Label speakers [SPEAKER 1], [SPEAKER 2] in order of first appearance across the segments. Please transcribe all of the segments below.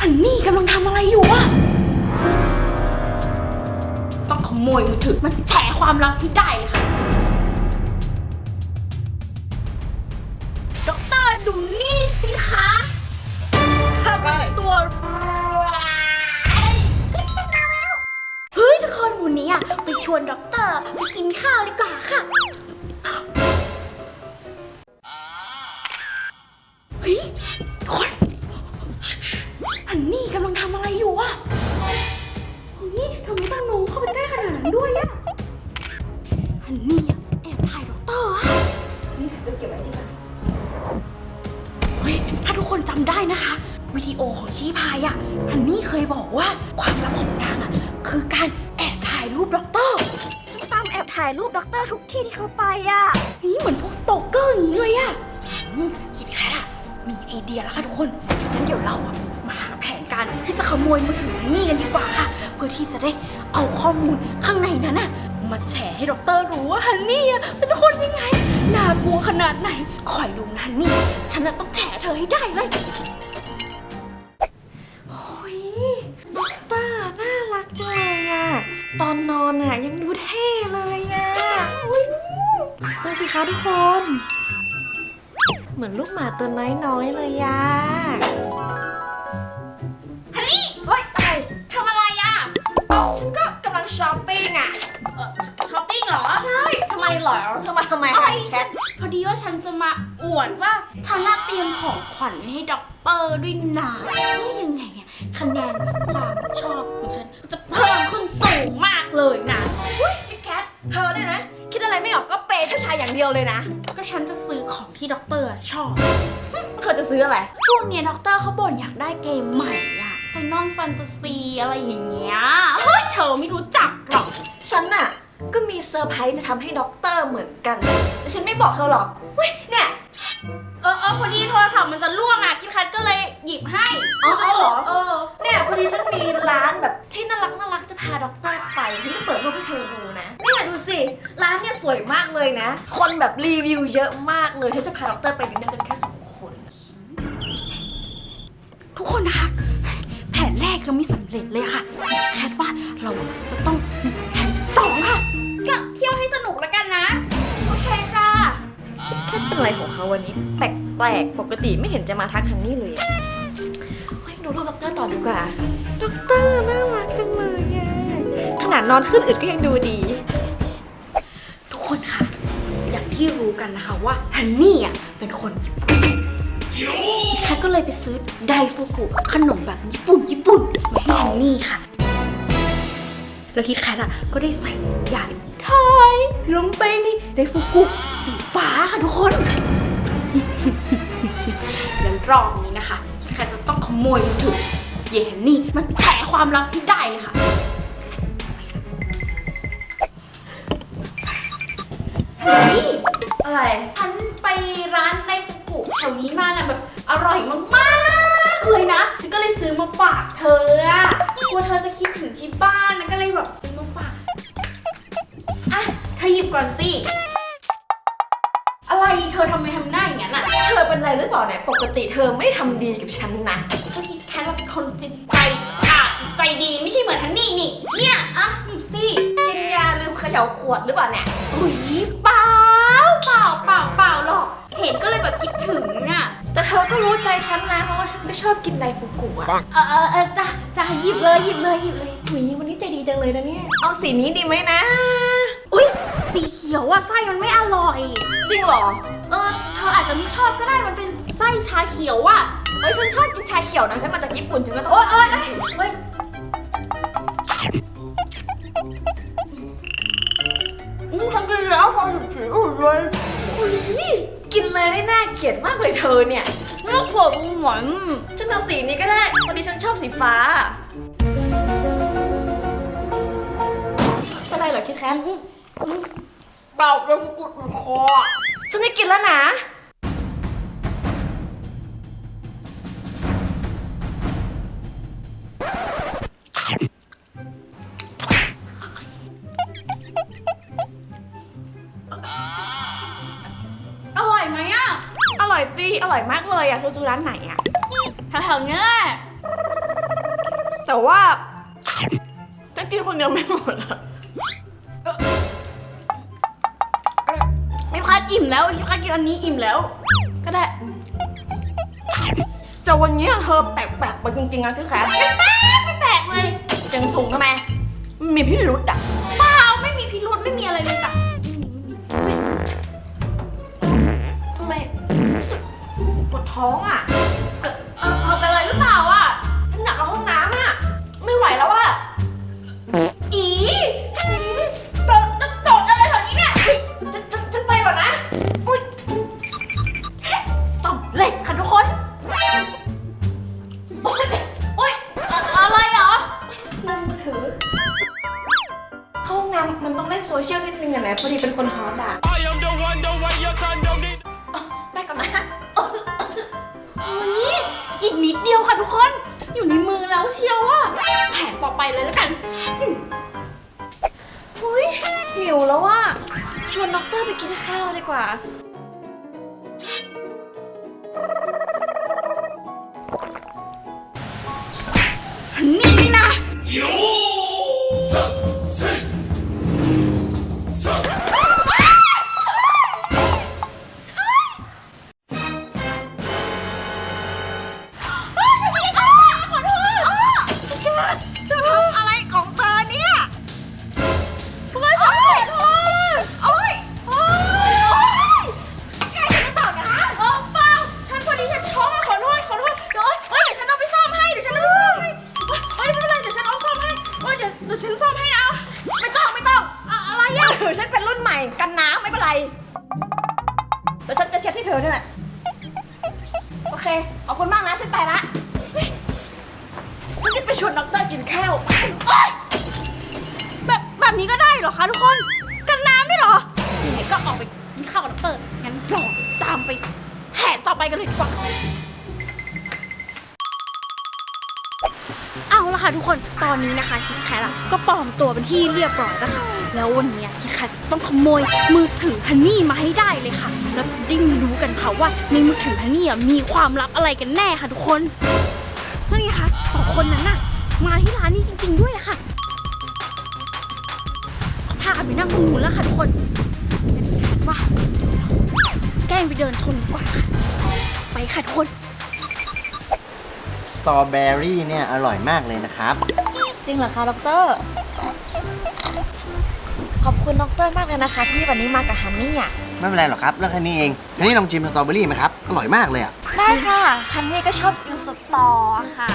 [SPEAKER 1] นนี่กำลังทำอะไรอยู่อะต้องขโมยมือถือมาแฉความลับที่ได้เลยค่ะด็อกเตอร์ดูนี่สิคะข้าเป็นตัวเฮ้ยทุกคนวันนี้อะไปชวนด็อกเตอร์ไปกินข้าวดีกว่าค่ะเฮ้ยคนฮันนี่กำลังทำอะไรอยู่อะเฮ้ยทำไมต้องหนูเข้าไปใกล้ขนาดนั้นด้วยอะฮันนี่อะแอบถ่ายด็อกเตอร์อะนี่เก็บไว้ดีกว่าเฮ้ยถ้าทุกคนจำได้นะคะวิดีโอของชี้พายอะฮันนี่เคยบอกว่าความลับของนางอะคือการแอบถ่ายรูปด็อกเตอร์ตามแอบถ่ายรูปด็อกเตอร์ทุกที่ที่เขาไปอะนี่เหมือนพวกสโตเกอร์อย่างนี้เลยอะคิดแค่ละมีไอเดียแล้วค่ะทุกคนงั้นเดี๋ยวเราอะมาหาแผนการที่จะขโมยมือถือนี่กันดีกว่าค่ะเพื่อที่จะได้เอาข้อมูลข้างในนั้นอะมาแชร์ให้ด็อกเตอร์รู้ว่าฮันนี่อะเป็นคนยังไงน่ากลัวขนาดไหนคอยดูนะฮันนี่ฉันจะต้องแฉเธอให้ได้เลยโอ้ยด็อกเตอร์น่ารักจังเลยอะตอนนอนอะยังดูเท่เลยอะดูสิคะทุกคนเหมือนลูกหมาตัวน้อยๆเลยอะฮันนี่เฮ้ยอะไรทำอะไรอะฉันก็กำลังช้อปปิ้งอะช้อปปิ้งเหรอใช่ทำไมเหรอทำไมแคทพอดีว่าฉันจะมาอวดว่าฉันเตรียมของขวัญให้ด็อกเตอร์ด้วยนะนี่ยังไงอะคะแนนความชอบของฉันจะเพิ่มขึ้นสูงมากเลยนะอุ้ยแคทเธอเนี่ยนะคิดอะไรไม่ออกก็เปย์ผู้ชายอย่างเดียวเลยนะก็ฉันจะซื้อของที่ด็อกเตอร์ชอบเธอจะซื้ออะไรช่วงนี้ด็อกเตอร์เขาบ่นอยากได้เกมใหม่อะไฟนอลแฟนตาซีอะไรอย่างเงี้ยเฮ้ยเธอไม่รู้จักหรอกฉันน่ะก็มีเซอร์ไพรส์จะทำให้ด็อกเตอร์เหมือนกันแต่ฉันไม่บอกเธอหรอกเฮ้ยเนี่ยพอดีโทรศัพท์มันจะล่วงอ่ะคิดคัทก็เลยหยิบให้อ๋อเหรอเนี่ยพอดีฉันมีร้านแบบที่น่ารักจะพาด็อกเตอร์ไปฉันจะเปิดรูปให้เธอดูนะเนี่ยดูสิร้านเนี่ยสวยมากเลยนะคนแบบรีวิวเยอะมากเลยฉันจะพาด็อกเตอร์ไปดินเนอร์กันแค่2 คนทุกคนนะคะแผนแรกยังไม่สำเร็จเลยค่ะแค่ว่าเราจะต้องแผน2ค่ะก็เที่ยวให้สนุกแล้วกันนะโอเคจ้าแค่เป็นอะไรของเขาวันนี้แปลกปกติไม่เห็นจะมาทักฮันนี่เลยดูรูปด็อกเตอร์ต่อดีกว่าด็อกเตอร์น่ารักจังเลยอะขนาดนอนขึ้นอึดก็ยังดูดีทุกคนค่ะอย่างที่รู้กันนะคะว่าฮันนี่อ่ะเป็นคนญี่ปุ่นคิดแคทก็เลยไปซื้อไดฟูกุขนมแบบญี่ปุ่นมาให้ฮันนี่ค่ะแล้วคิดแคทอ่ะก็ได้ใส่หยาดไทยลงไปในไดฟูกุสีฟ้าค่ะทุกคนแล้วรอบนี้นะคะคิดแคทจะต้องขโมยมือถือเยฮันนี่มาแฉความลับที่ได้เลยค่ะนี่อะไรฉันไปร้านไดฟูกุแถวนี้มาน่ะแบบอร่อยมากๆเลยนะฉันก็เลยซื้อมาฝากเธออะกลัวเธอจะคิดถึงที่บ้านนะก็เลยแบบซื้อมาฝากอ่ะเธอหยิบก่อนสิอะไรเธอทำไมทำหน้าอย่างนั้นอ่ะเธอเป็นอะไรหรือเปล่าเนี่ยปกติเธอไม่ทำดีกับฉันนะก็คิดแค่ว่าเป็นคนจิตใจสะอาดใจดีไม่ใช่เหมือนฮันนี่นี่เนี่ยอ่ะหยิบสิกินยาลืมเขย่าขวดหรือเปล่าเนี่ยอุ้ยเปล่าหรอกเห็นก็เลยแบบคิดถึงอ่ะแต่เธอก็รู้ใจฉันนะเพราะว่าฉันไม่ชอบกินไดฟูกุอ่ะจ้าหยิบเลยอุ้ยวันนี้ใจดีจังเลยนะเนี่ยเอาสีนี้ดีไหมนะอุ้ยสีเขียวอ่ะไส้มันไม่อร่อยจริงเหรอเธออาจจะไม่ชอบก็ได้มันเป็นไส้ชาเขียวอ่ะฉันชอบกินชาเขียวนะฉันมาจากญี่ปุ่นฉันก็ต้องฉันกินแล้วพอหยุดผิวเลยกินเลยได้น่าเกลียดมากเลยเธอเนี่ยน่าขวบหวานฉันเอาสีนี้ก็ได้พอดีฉันชอบสีฟ้าเป็นไรเหรอคิดแค้นเปล่าเลยกุดคอฉันได้กินแล้วนะอร่อยไหมอ่ะอร่อยสิอร่อยมากเลยอ่ะเธอซื้อร้านไหนอ่ะแถวๆเนี้ยแต่ว่าฉันกินคนเดียวไม่หมดอะไม่พลาดอิ่มแล้วที่พลาดกินอันนี้อิ่มแล้วก็ได้แต่วันนี้เธอแปลกๆไปจริงๆนะชื่อแขกไม่แปลกเลยจังถุงทำไมมีพิรุธอ่ะเปล่าไม่มีพิรุธไม่มีอะไรเลยจ้ะทำไมรู้สึกปวดท้องอ่ะเป็นอะไรหรือเปล่าอ่ะฉันอยากเข้าห้องน้ำอ่ะไม่ไหวแล้วอ่ะอีตดอะไรแถวนี้เนี่ยฉันไปก่อนนะอุ้ยสำเร็จค่ะทุกคนโอ๊ยอะไรเหรอนั่งมือถือเข้าห้องน้ำมันต้องเล่นโซเชียลนิดนึงอะนะพอดีเป็นคนฮอตอะไปก่อนนะเฮ้ยอีกนิดเดียวค่ะทุกคนอยู่ในมือแล้วเชียวอะแผนต่อไปเลยแล้วกันเฮ้ยหิวแล้วว่าชวนด็อกเตอร์ไปกินข้าวดีกว่านี่นะอะไรของเธอเนี่ยเฮ้ยขอโทษโอ๊ยแกจะไม่ตอบนะเปล่าฉันพอดีฉันช็อกขอโทษเดี๋ยวฉันเอาไปซ่อมให้ไม่เป็นไรเดี๋ยวฉันเอาซ่อมให้เดี๋ยวฉันซ่อมให้นะไม่ต้องอะไรอ่ะฉันเป็นรุ่นใหม่กันน้ำไม่เป็นไรเดี๋ยวฉันจะเช็ดให้เธอด้วยแหละโอเคขอบคุณมากนะฉันไปละฉันจะไปชวนด็อกเตอร์กินข้าวแบบนี้ก็ได้เหรอคะทุกคนกันน้ำด้วยเหรอไหนก็ออกไปกินข้าวกับด็อกเตอร์งั้นลองตามไปแผนต่อไปกันเลยดีกว่าเอาละค่ะทุกคนตอนนี้นะคะคิดแคทก็ปลอมตัวเป็นที่เรียบร้อยแล้วค่ะแล้ววันนี้คิดแคทต้องขโมยมือถือฮันนี่มาให้ได้เลยค่ะเราจะได้รู้กันค่ะว่าในมือถือฮันนี่มีความลับอะไรกันแน่ค่ะทุกคนนั่นไงคะสองคนนั้นน่ะมาที่ร้านนี้จริงๆด้วยอะค่ะพากันไปนั่งตรงนู้นแล้วค่ะทุกคนคิดแคทว่าแกล้งไปเดินชนดีกว่าค่ะไปค่ะทุกคน
[SPEAKER 2] สตรอเบอรี่เนี่ยอร่อยมากเลยนะครับ
[SPEAKER 1] จริงเหรอคะดร.ขอบคุณดร.มากเลยนะคะที่วันนี้มากับฮันนี่อ่ะ
[SPEAKER 2] ไม่เป็นไรหรอกครับเรื่องแค่นี้เองฮันนี่ลองชิมสตรอเบอรี่ไหมครับอร่อยมากเลยอ่ะ
[SPEAKER 1] ได้ค่ะฮันนี่ก็ชอบกินสตอค่ะ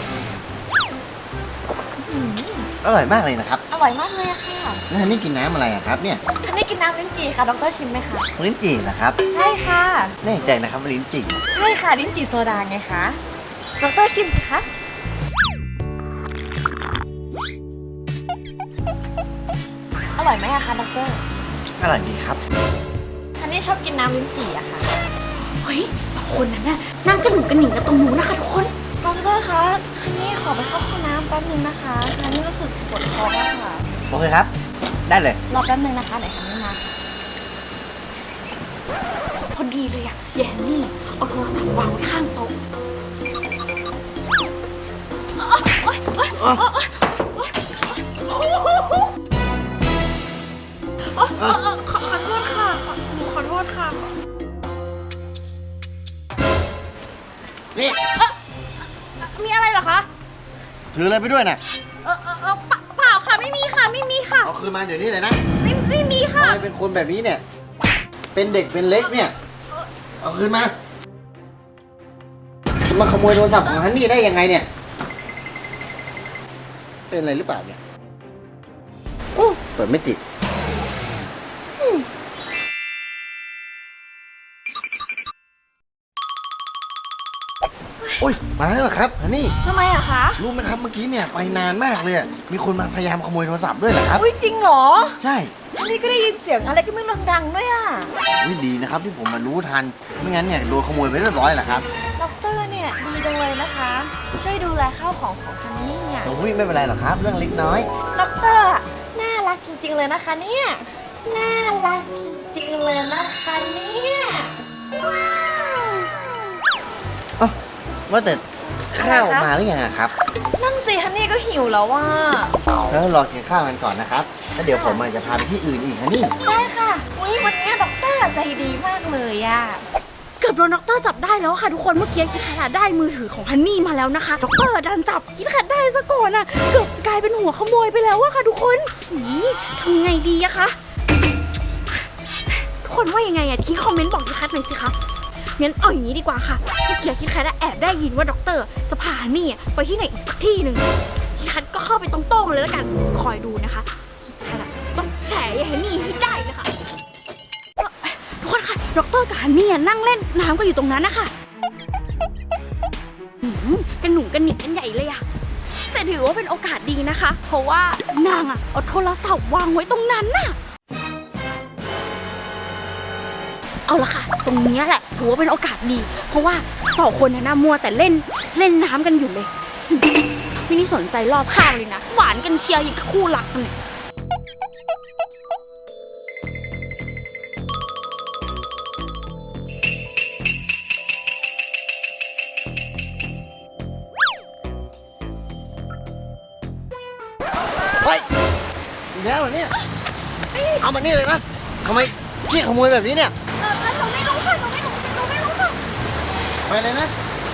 [SPEAKER 2] อร่อยมากเลยนะครับ
[SPEAKER 1] อร่อยมากเลยค่ะ
[SPEAKER 2] แล้วฮันนี่กินน้ำอะไรครับเนี่ย
[SPEAKER 1] ฮันนี่กินน้ำลิ้นจี่ค่ะดร.ชิมไหมคะ
[SPEAKER 2] ลิ้นจี่นะครับ
[SPEAKER 1] ใช่ค่ะ
[SPEAKER 2] แน่ใจนะครับลิ้นจี่
[SPEAKER 1] ใช่ค่ะลิ้นจี่โซดาไงคะดร.ชิมสิคะอร่อยไหมอะคะดร.
[SPEAKER 2] อร่อยดีครับ
[SPEAKER 1] ฮันนี่ชอบกินน้ำลิ้นจี่อะค่ะเฮ้ยสองคนนั้นน่ะนั่งกระหนุกกระหนิ่งกันตรงนู้นนะคะทุกคนดร.คะฮันนี่ขอไปเข้าห้องน้ำแป๊บนึงนะคะฮันนี่รู้สึกปวดท้องมากค่ะ
[SPEAKER 2] โอเคครับได้เลย
[SPEAKER 1] รอแป๊บนึงนะคะไหนฮันนี่มาพอดีเลยอะแย่นี่เอาโทรศัพท์วางไว้ข้างโต๊ะขอโทษค่ะขอโทษค่ะ
[SPEAKER 2] นี่
[SPEAKER 1] มีอะไรเหรอคะ
[SPEAKER 2] ถืออะไรไปด้วยน่ะ
[SPEAKER 1] เปล่าค่ะไม่มีค่ะ
[SPEAKER 2] เอาคืนมาเดี๋ยวนี้เลยนะ
[SPEAKER 1] ไม่มีค่ะ
[SPEAKER 2] ทำไมเป็นคนแบบนี้เนี่ยเป็นเด็กเป็นเล็กเนี่ยเอาคืนมาขโมยโทรศัพท์ของฮันนี่ได้ยังไงเนี่ยเป็นอะไรหรือเปล่าเนี่ยเปิดไม่ติดโอ้ยมาแล้วเหรอครับฮันนี่
[SPEAKER 1] ทำไมอะคะ
[SPEAKER 2] รู้ไหมครับเมื่อกี้เนี่ยไปนานมากเลยมีคนมาพยายามขโมยโทรศัพท์ด้วยเหรอครับ
[SPEAKER 1] จริงเหรอ
[SPEAKER 2] ใช่
[SPEAKER 1] ฮันนี่ก็ได้ยินเสียงอะไรก็ไม่รู้ดังด้วยอะ
[SPEAKER 2] ดีนะครับที่ผมมารู้ทันไม่งั้นเนี่ยโดนขโมยไปเรียบร้อยแหละครับ
[SPEAKER 1] ด็อกเตอร์เนี่ยดีจังเลยนะคะช่วยดูแลข้าวของฮันนี่เนี่ย
[SPEAKER 2] ไม่เป็นไรหรอกครับเรื่องเล็กน้อย
[SPEAKER 1] ด็อกเตอร์น่ารักจริงๆเลยนะคะเนี่ยน่ารักจริงเลยนะคะเนี่ยว้าว
[SPEAKER 2] ว่าแต่ข้าวมาหรือยังอะครับ
[SPEAKER 1] นั่นสิฮันนี่ก็หิวแล้วว่า
[SPEAKER 2] แล้วรอกินข้าวกันก่อนนะครับแล้วเดี๋ยวผมอาจจะพาไปที่อื่นอีกนะนี่
[SPEAKER 1] ได้ค่ะอุ๊ยวันนี้ด็อกเตอร์ใจดีมากเลยอะเกือบโดนด็อกเตอร์จับได้แล้วค่ะทุกคน เมื่อกี้คิดแคทได้มือถือของฮันนี่มาแล้วนะคะด็อกเตอร์ดันจับคิดแคทได้ซะก่อนอะเกือบจะกลายเป็นหัวขโมยไปแล้วอะค่ะทุกคนทำไงดีอะคะทุกคนว่ายังไงอะทิ้งคอมเมนต์บอกคิดแคทหน่อยสิคะงั้นเอาอย่างนี้ดีกว่าค่ะเมื่อกี้คิดแคทแอบได้ยินว่าด็อกเตอร์จะพาฮันนี่ไปที่ไหนอีกสักที่หนึ่งคิดแคทก็เข้าไปตรงๆเลยแล้วกันคอยดูนะคะคิดแคทจะต้องแฉฮันนี่ให้ได้เลยค่ะทุกคนค่ะด็อกเตอร์กับฮันนี่นั่งเล่นน้ำกันอยู่ตรงนั้นนะคะกันหนุ่มกันหนิกกันใหญ่เลยอะแต่ถือว่าเป็นโอกาสดีนะคะ เพราะว่านางอะเอาโทรศัพท์วางไว้ตรงนั้นน่ะเอาละค่ะตรงนี้แหละถือว่าเป็นโอกาสดีเพราะว่าสองคนน่ะมัวแต่เล่นน้ำกันอยู่เลยไม่ได้สนใจรอบข้างเลยนะหวานกันเชียร์อย่างคู่รักกันเนี่ย
[SPEAKER 2] เฮ้ยอีกแล้วเหรอเนี่ยเอามานี่เลยนะทำไมขี้ขโมยแบบนี้เนี่ย
[SPEAKER 1] หนูไม่รู้ค่ะหนูไม่รู้ค่ะ
[SPEAKER 2] ไปเลยนะ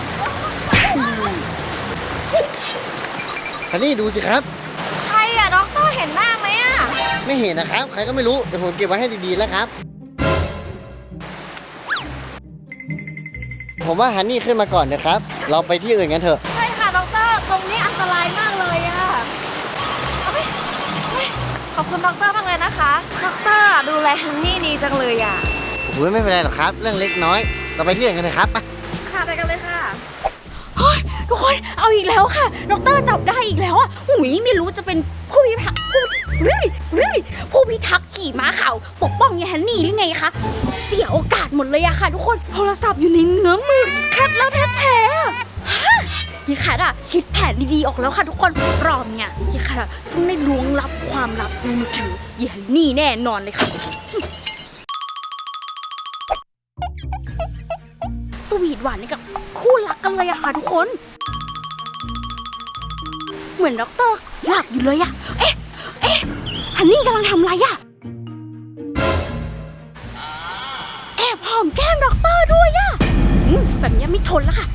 [SPEAKER 2] ฮันนี่ดูสิครับ
[SPEAKER 1] ใครอะด็อกเตอร์เห็นหน้าไหมอะ
[SPEAKER 2] ไม่เห็นนะครับใครก็ไม่รู้เดี๋ยวผมเก็บไว้ให้ดีๆแล้วครับผมว่าฮันนี่ขึ้นมาก่อนนะครับเราไปที่อื่นกันเถอะ
[SPEAKER 1] ใช่ค่ะด็อกเตอร์ตรงนี้อันตรายมากเลยอะขอบคุณด็อกเตอร์มากเลยนะคะด็อกเตอร์ดูแลฮันนี่ดีจังเลยอะ
[SPEAKER 2] โอ้ยไม่เป็นไรหรอกครับเรื่องเล็กน้อยเราไปที่อื่นกันเถอะครับไป
[SPEAKER 1] ค่ะไปกันเลยค่ะเฮ้ยทุกคนเอาอีกแล้วค่ะด็อกเตอร์จับได้อีกแล้วอ่ะหุยไม่รู้จะเป็นผู้พิทักษ์ผู้พิทักษ์ขี่ม้าขาวปกป้องยายฮันนี่หรือไงคะเสียโอกาสหมดเลยอะค่ะทุกคนโทรศัพท์อยู่ในเงื้อมือคัดแล้วแท้ๆยิดคัดอะคิดแผนดีๆออกแล้วค่ะทุกคนรอบเนี่ยยิดคัดอะต้องได้ล้วงลับความลับในมือถือยายฮันนี่แน่นอนเลยค่ะสวีทหวานนี่กับคู่รักกันเลยอะค่ะทุกคนเหมือนด็อกเตอร์หลับอยู่เลยอะเอ๊ะฮันนี่กำลังทำอะไรอะแอบหอมแก้มด็อกเตอร์ด้วยอะแบบนี้ไม่ทนแล้วค่ะ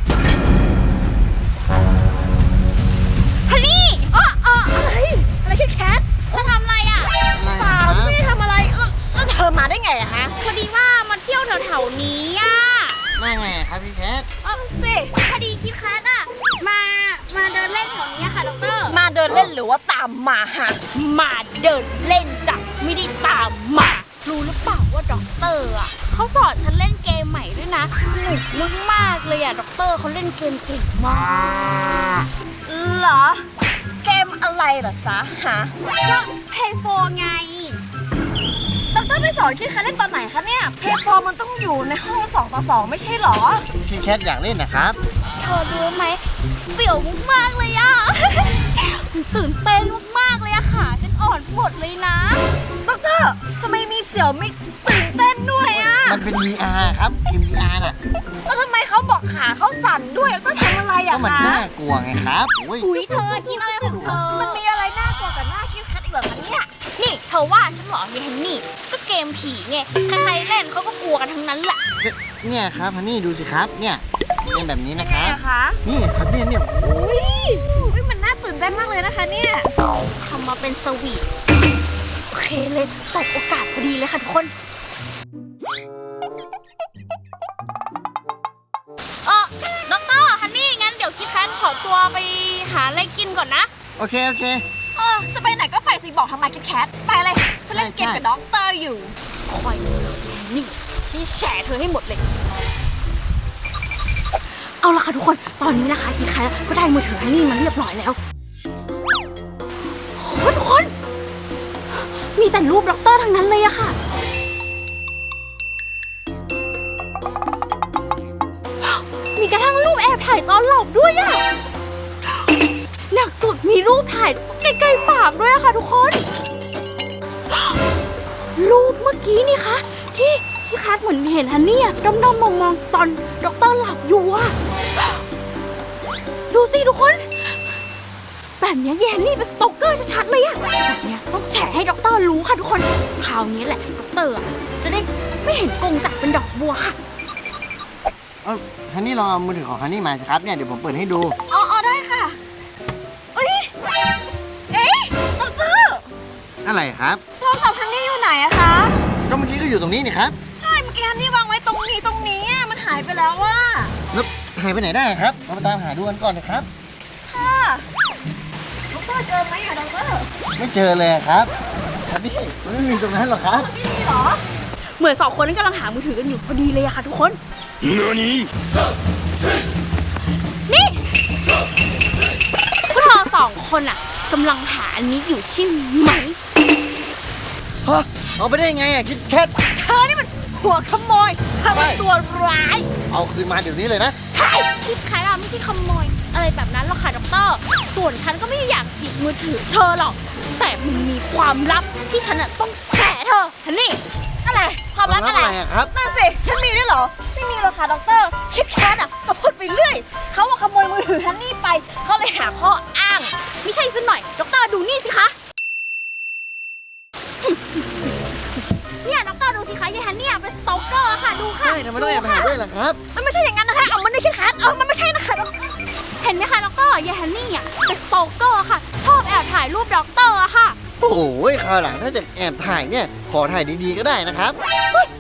[SPEAKER 1] ฮันนี่อะไรแคทเธอทำอะไรอะเปล่าไม่ได้ทำอะไรแล้วเธอมาได้ไงอะฮะพอดีว่ามาเที่ยวแถวๆนี้อะ
[SPEAKER 2] มาไงครับพี่แคท
[SPEAKER 1] สิพอดีคิดแคทอะมาเดินเล่นแถวนี้ค่ะด็อกเตอร์มาเดินเล่นหรือว่าตามมาฮะมาเดินเล่นจ้ะไม่ได้ตามมารู้หรือเปล่าว่าด็อกเตอร์อะเขาสอนฉันเล่นเกมใหม่ด้วยนะสนุกมากๆเลยอะด็อกเตอร์เขาเล่นเกมเก่งมากเหรอเกมอะไรเหรอจ๊ะฮะก็เพย์โฟไงด็อกเตอร์ไปสอนคิดแคทเล่นตอนไหนคะเนี่ยเพย์โฟมันต้องอยู่ในห้อง2 ต่อ 2ไม่ใช่หรอ
[SPEAKER 2] พี่แคทอยากเล่นนะครับ
[SPEAKER 1] เธอรู้ไหมเสี่ยวมากเลยอะตื่นเต้นมากเลยอะค่ะฉันอ่อนหมดเลยนะด็อกเตอร์ทำไมมีเสี่ยวไม่ตื่นเต้นด้วยอะ
[SPEAKER 2] มันเป็น VR ครับเกม VR น่ะ
[SPEAKER 1] แล้วทำไมเขาบอกขาเขาสั่นด้วยก็ทำอะไรอะคะ
[SPEAKER 2] ก็มันน่ากลัวไงครับ
[SPEAKER 1] อุ้ยเธอคิดอะไรของเธอมันมีอะไรน่ากลัวกับหน้าคิดแคทอีกเหรอคะเนี่ยนี่เธอว่าฉันหรอเยนนี่ก็เกมผีไงใครๆเล่นเขาก็กลัวกันทั้งนั้นแหละ
[SPEAKER 2] เนี่ยครับฮันนี่ดูสิครับเนี่ยเป็นแบบนี้นะครับนี่ครับเนี่ย
[SPEAKER 1] อุ้ยมันน่าตื่นเต้นมากเลยนะคะเนี่ยทำมาเป็นสวีทโอเคเลยสบโอกาสพอดีเลยค่ะทุกคนด็อกเตอร์ฮันนี่งั้นเดี๋ยวคิดแคทขอตัวไปหาอะไรกินก่อนนะ
[SPEAKER 2] โอเค
[SPEAKER 1] จะไปไหนก็ไปสิบอกทำไมคิดแคทไปเลยฉันเล่นเกมกับด็อกเตอร์อยู่คอยดูนี่ฉันแฉเธอให้หมดเลยเอาละค่ะทุกคนตอนนี้นะคะคิดแคทก็ได้มือถือฮันนี่มาเรียบร้อยแล้วโอ้ทุกคนมีแต่รูปด็อกเตอร์ทั้งนั้นเลยอะค่ะมีกระทั่งรูปแอบถ่ายตอนหลับด้วยอะหนักสุดมีรูปถ่ายใกล้ๆปากด้วยอะค่ะทุกคนรูปเมื่อกี้นี่คะที่คัทเหมือนเห็นฮันนี่ด้อมๆมองๆตอนด็อกเตอร์หลับอยู่อะดดูสิทุกคนแบบนี้แยนนี่เป็นสโตเกอร์ชัดๆเลยอะแบบนี้ต้องแฉให้ด็อกเตอร์รู้ค่ะทุกคนคราวนี้แหละด็อกเตอร์จะได้ไม่เห็นกงจักรเป็นดอกบัวค่ะ
[SPEAKER 2] ฮันนี่ลองเอามือถือของฮันนี่มาสิครับเนี่ยเดี๋ยวผมเปิดให้ดู
[SPEAKER 1] อ๋อได้ค่ะเอ้ยด็อกเตอร์
[SPEAKER 2] อะไรครับ
[SPEAKER 1] โทรศัพท์ฮันนี่อยู่ไหนอะคะ
[SPEAKER 2] ก็เมื่อกี้ก็อยู่ตรงนี้นี่ครับ
[SPEAKER 1] ใช่เมื่อกี้ฮันนี่วางไว้ตรงนี้อะมันหายไปแล้วว่า
[SPEAKER 2] แล้วหายไปไหนได้ครับเรามาตามหาดูกันก่อนนะครับ
[SPEAKER 1] ค่ะด็อกเตอร์เจอไหมอะด็อกเตอร์
[SPEAKER 2] ไม่เจอเลยครับฮันนี่มันไม่มีตรงนั้นหรอกครับ
[SPEAKER 1] ไม่มีเหรอเหมือนสองคนนี้กำลังหามือถือกันอยู่พอดีเลยอะค่ะทุกคนนี่พวกเราสองคนอะกำลังหาอันนี้อยู่ใช่ไหม
[SPEAKER 2] ฮะเอาไปได้ไงอ่ะคิดแคท
[SPEAKER 1] เธอนี่มันหัวขโมยเธอเป็นตัวร้าย
[SPEAKER 2] เอาคืนมาเดี๋ยวนี้เลยนะ
[SPEAKER 1] ใช่คิดขายเราไม่ใช่ขโมยอะไรแบบนั้นหรอกค่ะด็อกเตอร์ส่วนฉันก็ไม่ได้อยากหยิบมือถือเธอหรอกแต่มันมีความลับที่ฉันอะต้องแฉเธอฮันนี่อะไรความลับอะไร
[SPEAKER 2] อะครับ
[SPEAKER 1] นั่นสิฉันมีด้วยเหรอไม่มีหรอกค่ะด็อกเตอร์คิดแค้นอะก็พูดไปเรื่อยเขาว่าขโมยมือถือฮันนี่ไปเขาเลยหาข้ออ้างไม่ใช่ซะหน่อยด็อกเตอร์ดูนี่สิคะเนี่ยด็อกเตอร์ดูสิคะยายฮันนี่เป็นสโตเกอร์ค่ะดูค่ะ
[SPEAKER 2] ใช่ทำไมต้องแอบมาหาด้วยล่ะครับ
[SPEAKER 1] มันไม่ใช่อย่างนั้นนะคะเอามันไม่คิดแค้นมันไม่ใช่นะคะเห็นไหมคะด็อกเตอร์ยายฮันนี่อ่ะเป็นสโตเกอร์ค่ะชอบแอบถ่ายรูปด็อกเตอร์อะค่ะ
[SPEAKER 2] โอ้โหคราวหลังถ้าจะแอบถ่ายเนี่ยขอถ่ายดีๆก็ได้นะครับ
[SPEAKER 1] เฮ้ย